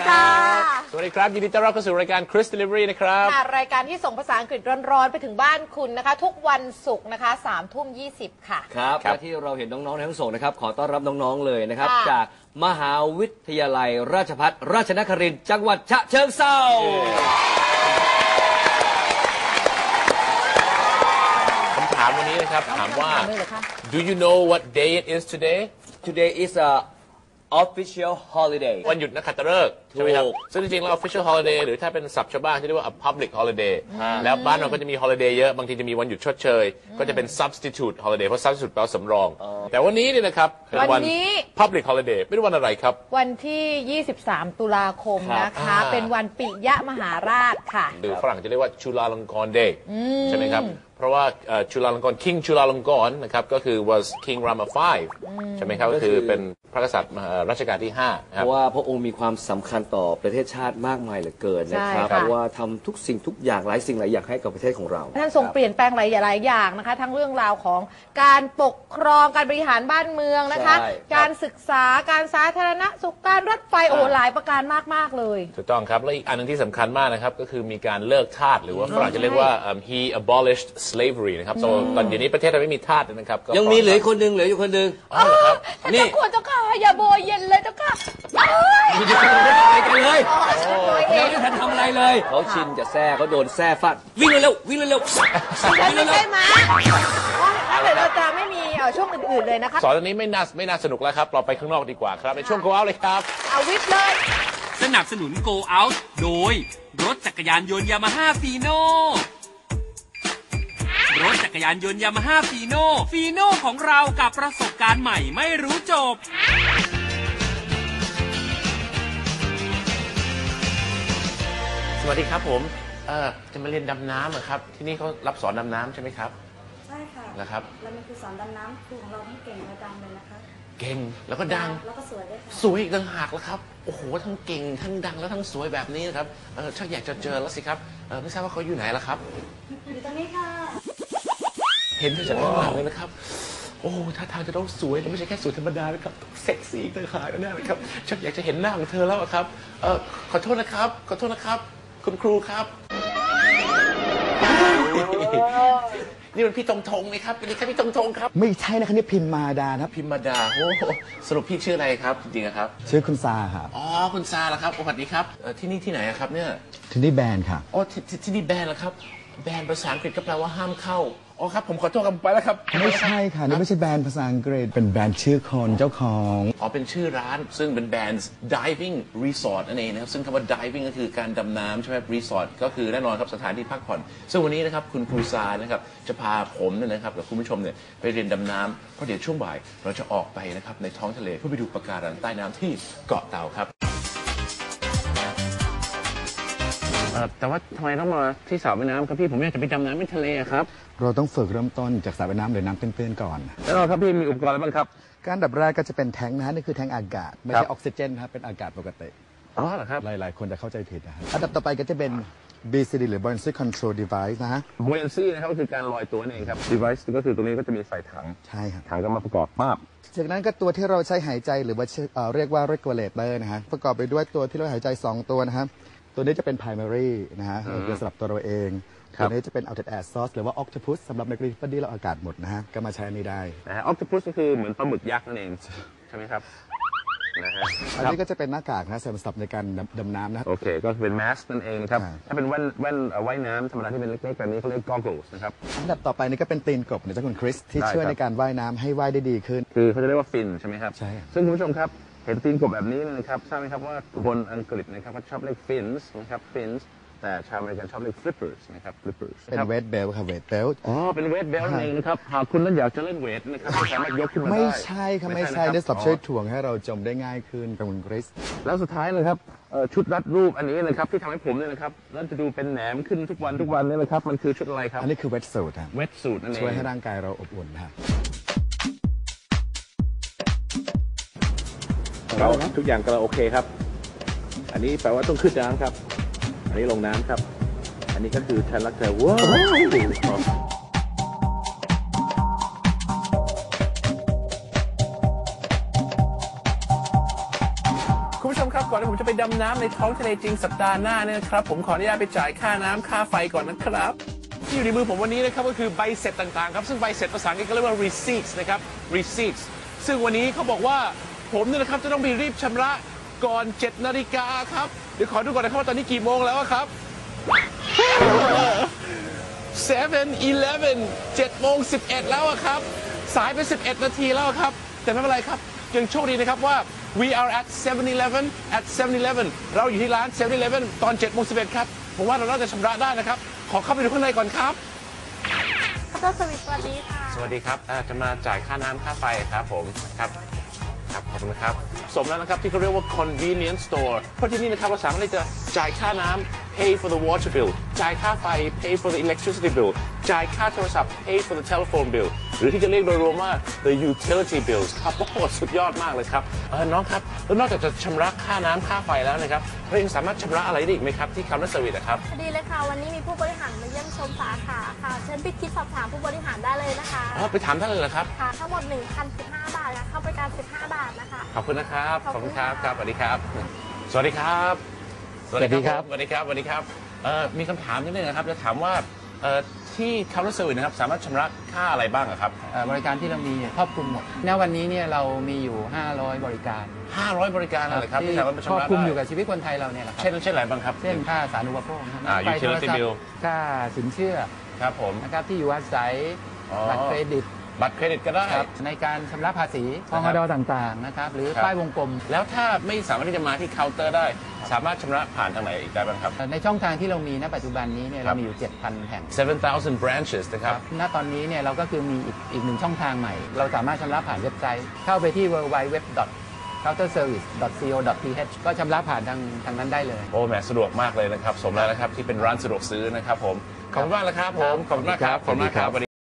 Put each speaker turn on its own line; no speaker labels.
ค่ะ
สวัสดีครับยินดีต้อนรับเข้าสู่รายการ Chris Delivery นะครับ
ค่ะรายการที่ส่งภาษาอังกฤษร้อนๆไปถึงบ้านคุณนะคะทุกวันศุกร์นะคะ3:20 ค่ะ
ครับและที่เราเห็นน้องๆในห้องส่งนะครับขอต้อนรับน้องๆเลยนะครับจากมหาวิทยาลัยราชภัฏราชนครินทร์จังหวัดฉะเชิงเทรา
คำถามวันนี้นะครับถามว่า Do you know what day it is today?
Today is a official holiday
วันหยุดนักขัตฤกษ์ใช่ไหมครับซึ่งจริงๆแล้ว official holiday หรือถ้าเป็นศัพท์ชาวบ้านที่เรียกว่า a public holiday แล้วบ้านเราก็จะมี holiday เยอะบางทีจะมีวันหยุดชดเชยก็จะเป็น substitute holiday เพราะ substitute แปลว่าสำรองแต่วันนี้เนี่ยนะครับเป็นวัน public holiday ไม่รู้วันอะไรครับ
วันที่23ตุลาคมนะคะเป็นวันปิยมหาราชค่ะ
หรือฝรั่งจะเรียกว่าจุฬาลงกรณ์ day ใช่ไหมครับเพราะว่าจุฬาลงกรณ์ King จุฬาลงกรณ์นะครับก็คือ was King Rama V ใช่ไหมครับก็คือเป็นพระกษัตริย์รัชกาลที่5ครับ
เพราะว่าพระองค์มีความสำคัญต่อประเทศชาติมากมายเหลือเกินนะครับเพราะว่าทำทุกสิ่งทุกอย่างหลายสิ่งหลายอย่างให้กับประเทศของเรา
ท่านทรงเปลี่ยนแปลงหลายอย่างนะคะทั้งเรื่องราวของการปกครองการบริหารบ้านเมืองนะคะการศึกษาการสาธารณสุขการรถไฟโอ้หลายประการมากๆเลย
ถูกต้องครับและอีกอันนึงที่สำคัญมากนะครับก็คือมีการเลิกทาสหรือว่าฝรั่งจะเรียกว่า he abolished slavery นะครับตอนเดี๋ยวนี้ประเทศเราไม่มีทาสนะครับ
ยังมีเหลือคนหนึ่งเหลืออยู่คนหนึ่ง
นี่ควรเจ้าค่ะอย่าโบยเย็นเลยเจ้าค่ะ
ไม่ได้ทำอะไรกันเลยยังไม่ทันทำอะไรเลยเขาชินจะแซ่เขาโดนแซ่ฟาดวิ่งเร็ววิ่งเร็ว
ไม่ใช่ไหมเดี๋ยวเราจะไม่มีช่วงอื่นๆเลยนะคะ
สอนอันนี้ไม่น่าสนุกแล้วครับเราไปข้างนอกดีกว่าครับในช่วง Go Out เลยครับ
เอาวิทย์เลย
สนับสนุน Go Out โดยรถจักรยานยนต์ยามาฮ่าฟีโน่รถจักรยานยนต์ยามาฮ่าฟีโน่ของเรากับประสบการณ์ใหม่ไม่รู้จบ
สวัสดีครับผมจะมาเรียนดำน้ำครับที่นี่เขารับสอนดำน้ำใช่ไหมครับ
ใช่ค่ะ
นะครับ
เรามีครูสอนดำน้ำครูของเราทั้งเก่งและดังเลยนะคะ
เก่งแล้วก็ดัง
แล้วก็สวยด้วยค่ะ
สวยอีกต่างหากแล้วครับโอ้โหทั้งเก่งทั้งดังแล้วทั้งสวยแบบนี้นะครับชักอยากจะเจอแล้วสิครับไม่ทราบว่าเขาอยู่ไหนล่ะครับ
อยู่ตรงนี้ค่ะ
เห็นเธอจากข้างหลังเลยนะครับโอ้ท่าทางจะต้องสวยแล้วไม่ใช่แค่สวยธรรมดานะครับต้องเซ็กซี่ต่างหากแน่เลยครับชักอยากจะเห็นหน้าของเธอแล้วครับขอโทษนะครับคุณครูครับนี่มันพี่ตงๆนะครับเป็นนี่ครับพี่ตงๆครับ
ไม่ใช่นะครับนี่พิมมาดาครับ
พิมมาดาโอ้สรุปพี่ชื่ออะไรครับจริงๆครับ
ชื่อคุณซาครับ
อ๋อคุณซาเหรอครับสวัสดีครับที่นี่ที่ไหนครับเนี่ย
ที่นี่แบนค่ะ
อ๋อที่นี่แบนเหรอครับแบนภาษาอังกฤษก็แปลว่าห้ามเข้าอ๋อครับผมขอโทษกันไปแล้วครับ
ไม่ใช่ค่ะนี่ไม่ใช่แบรนด์ภาษาอังกฤษเป็นแบรนด์ชื่อคนเจ้าของ
อ๋อเป็นชื่อร้านซึ่งเป็นแบรนด์ diving resort นั่นเองนะครับซึ่งคำว่า diving ก็คือการดำน้ำใช่ไหม resort ก็คือแน่นอนครับสถานที่พักผ่อนซึ่งวันนี้นะครับคุณครูซานะครับจะพาผมนะครับกับคุณผู้ชมเนี่ยไปเรียนดำน้ำเพราะเดี๋ยวช่วงบ่ายเราจะออกไปนะครับในท้องทะเลเพื่อไปดูปะการังใต้น้ำที่เกาะเต่าครับแต่ว่าทำไมต้องมาที่สระว่ายน้ำครับพี่ผมอยากจะไปดำน้ำในทะเลครับ
เราต้องฝึกเริ่มต้นจากสระว่ายน้ำหรือน้ำตื้นๆก่อน
แล้วครับพี่มีอุปกรณ์อะไรบ้างครับ
การดับแรกก็จะเป็นแทงนะฮะนี่คือแทงอากาศไม่ใช่ออกซิเจนครับเป็นอากาศปกติ
อ๋อเหรอครับ
หลายๆคนจะเข้าใจผิดนะฮะอันดับต่อไปก็จะเป็น BCD หรือ Buoyancy Control Device นะฮะ
Buoyancy นะครับก็คือการลอยตัวนั่นเองครับ Device ก็คือตรงนี้ก็จะมีใส่ถัง
ใช่ครับ
ถังก็มาประกอบปั๊บ
จากนั้นก็ตัวที่เราใช้หายใจหรือว่าเรียกว่า regulator นะฮะประกอบไปด้วยตัวที่เราหายใจ2ตัวนะครับตัวนี้จะเป็น primary นะฮะคือสำหรับตัวเราเองตัวนี้จะเป็น outlet air source หรือว่า octopus สำหรับในกรณีที่เราอากาศหมดนะฮะก็มาใช้อันนี้ได้
นะฮะ octopus ก็คือเหมือนปลาหมึกยักษ์นั่นเองใช่ไหมครับนะฮะ
อันนี้ก็จะเป็นหน้ากากนะสำหรับในการดำน้ำนะ
โอเคก็เป็น mask นั่นเองครับถ้าเป็นแว่นว่ายน้ำธรรมดาที่เป็นเล็กๆแบบนี้เขาเรียก goggles นะครับ
อันดับต่อไปนี่ก็เป็นตีนกบนะเจ้าคุณคริสที่ช่วยในการว่ายน้ำให้ว่ายได้ดีขึ้น
คือเขาจะเรียกว่าฟินใช่ไหมครับ
ใช่
ซึ่งคุณผู้ชมครับเห็นตีนกบแบบนี้นะครับทราบไหมครับว่าคนอังกฤษนะครับเขาชอบเรียก fins นะครับ fins แต่ชาวอเมริกันชอบเรียก flippers นะครับ flippers
เป็น weight belt ครับ weight belt
อ๋อเป็น weight belt นั่นเองนะครับหากคุณนั้นอยากจะเล่นเวทนะครับสามารถยกขึ้นมาได้
ไม่ใช่ครับไม่ใช่นี่สำหรับช่วยถ่วงให้เราจมได้ง่ายขึ้นกับคุณคริส
แล้วสุดท้ายเลยครับชุดรัดรูปอันนี้นะครับที่ทำให้ผมเนี่ยนะครับแล้วจะดูเป็นแหนมขึ้นทุกวันนี่เลยครับมันคือชุดอะไรครับ
อันนี้คือ wet suit ครับ
wet suit นั่นเอง
ช่วยให้ร่างกายเราอบอุ่นครับ
ทุกอย่างก็โอเคครับอันนี้แปลว่าต้องขึ้นน้ำครับอันนี้ลงน้ำครับอันนี้ก็คือฉันรักเธอว้าวคุณผู้ชชมครับก่อนที่ผมจะไปดำน้ำในท้องทะเลจริงสัปดาห์หน้าเนี่ยนะครับผมขออนุญาตไปจ่ายค่าน้ำค่าไฟก่อนนะครับที่อยู่ในมือผมวันนี้นะครับก็คือใบเสร็จต่างๆครับซึ่งใบเสร็จภาษาอังกฤษก็เรียกว่า receipts นะครับ receipts ซึ่งวันนี้เขาบอกว่าผมเนี่ยนะครับจะต้องไปรีบชำระก่อน 7 นาฬิกาครับเดี๋ยวขอดูก่อนนะครับว่าตอนนี้กี่โมงแล้วครับ 7-11 7 โมง 11 แล้วครับ สายไป 11 นาทีแล้วครับ แต่ไม่เป็นไรครับ ยังโชคดีนะครับว่า we are at 7-Eleven at 7-Eleven เราอยู่ที่ร้าน 7-Eleven ตอน 7 โมง 11 ครับ ผมว่าเราน่าจะชำระได้นะครับ ขอเข้าไปดูข้างในก่อนครับ
ดรสวิทสวัสดีค่ะ
สวัสดีครับจะมาจ่ายค่าน้ำค่าไฟครับผมครับครับขอบคุณครับสมแล้วนะครับที่เขาเรียกว่า convenience store เพราะที่นี่นะครับเราสามารถที่จะจ่ายค่าน้ำ pay for the water bill จ่ายค่าไฟ pay for the electricity bill จ่ายค่าโทรศัพท์ pay for the telephone bill หรือที่จะเรียกโดยรวมว่า the utility bills ครับโอ้โหสุดยอดมากเลยครับน้องครับแล้วนอกจากจะชำระค่าน้ำค่าไฟแล้วนะครับเรายังสามารถชำระอะไรได้อีกไหมครับที่ counter service ครับ
ดีเลยค่ะ วันนี้มีผู้บริหารมาเยี่ยมชมสาขาค่ะ เชิญไปคิดสอบถามผู้บริหารได้เลยนะคะ
อ๋อไปถามท่านเลยเหรอครับ
ค่ะ ทั้งหมด 1,015 บาทค่ะ เข้าบริการ 15 บาทนะคะ
ขอบคุณนะครับ
ขอบคุณครับ
ครับสวัสดีครับ สวัสดีครับ
สวัสดีครับ
สวัสดีครับ สวัสดีครับมีคำถามนิดนึงนะครับ จะถามว่าที่ counter service นะครับ สามารถชำระค่าอะไรบ้างอะครับ
บริการที่เรามีครอบคลุมหมด ณ วันนี้เนี่ยเรามีอยู่ 500 บริการ
500 บริการอะไรครับ
ที่
ที่สามารถไป
ครอบ
ชำระ
คลุมอยู่
ได้
กับชีวิตคนไทยเราเนี่ยแหละครับ
เช่นอะไรบ้างครับ
เช่นค่าสาธารณูปโภคนะครับ
utility
ไฟโทรศัพท์
bill
ค่าสินเชื่อ
ครับผม
นะครับที่อยู่อาศัย
อ๋อ
บัตรเครดิต
บัตรเครดิตก็ได้
ครับในการชำระภาษีพ
นะค
ง
รับ
ดต่างๆนะครับหรือ
ครับ
ป้ายวงกลม
แล้วถ้าไม่สามารถที่จะมาที่เคาน์เตอร์ได้ สามารถชำระผ่านทางไหนอีกได้บ้างครับ
ในช่องทางที่เรามีณปัจจุบันนี้เนี่ย
ครั
เรา
บ
มีอยู่ 7,000 แห่ง
7,000 branches นะครับ
ณตอนนี้เนี่ยเราก็คือมีอีกหนึ่งช่องทางใหม่ เราสามารถชำระผ่านเว็บไซต์ เข้าไปที่ www.counterservice.co.th ก็ชำระผ่านทางนั้นได้เลย
โอ้แหมสะดวกมากเลยนะครับ สมแล้วนะครับที่เป็นร้านสะดวกซื้อนะครับผม ขอบคุณมากนะครับผม ขอบคุณมากครับ ขอบคุณมากครับ